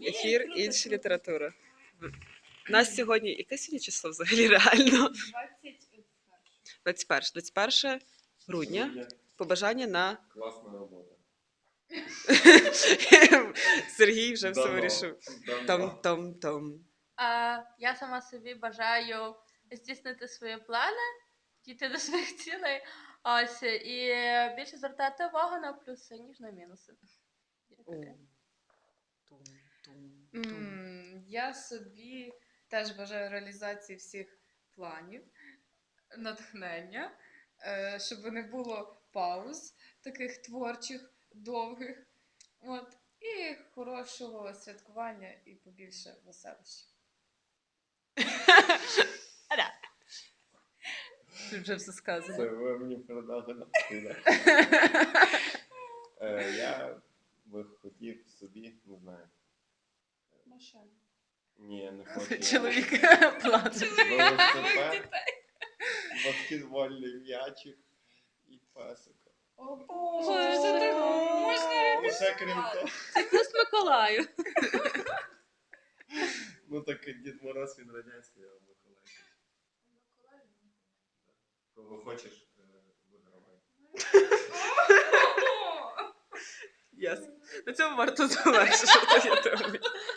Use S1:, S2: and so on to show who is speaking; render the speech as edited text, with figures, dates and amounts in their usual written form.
S1: ефір, інша література. У нас сьогодні, яке сьогодні число взагалі реально? 21 грудня. Побажання на...
S2: Класна робота.
S1: Сергій вже все вирішив.
S2: Давно.
S1: Там.
S3: Я сама собі бажаю здійснити свої плани, дійти до своїх цілей, ось, і більше звертати увагу на плюси, ніж на мінуси.
S4: Я собі теж бажаю реалізації всіх планів, натхнення, щоб не було пауз таких творчих, довгих. От. І хорошого святкування і побільше веселощів.
S3: Тут вже все сказано.
S2: Це ви мені передали на стіна. Я би хотів собі, не знаю.
S4: Машина.
S2: Ні, не хочу.
S1: Чоловік плаче.
S2: Велосипед, баскетбольний м'ячик і песика.
S4: О Боже, це так можна.
S2: І ще крім того.
S3: Плюс Миколаю.
S2: Ну так Дід Мороз він радянський, а Миколай. Кого хочеш, вигравай.
S1: Ясно. На цьому варто завершити.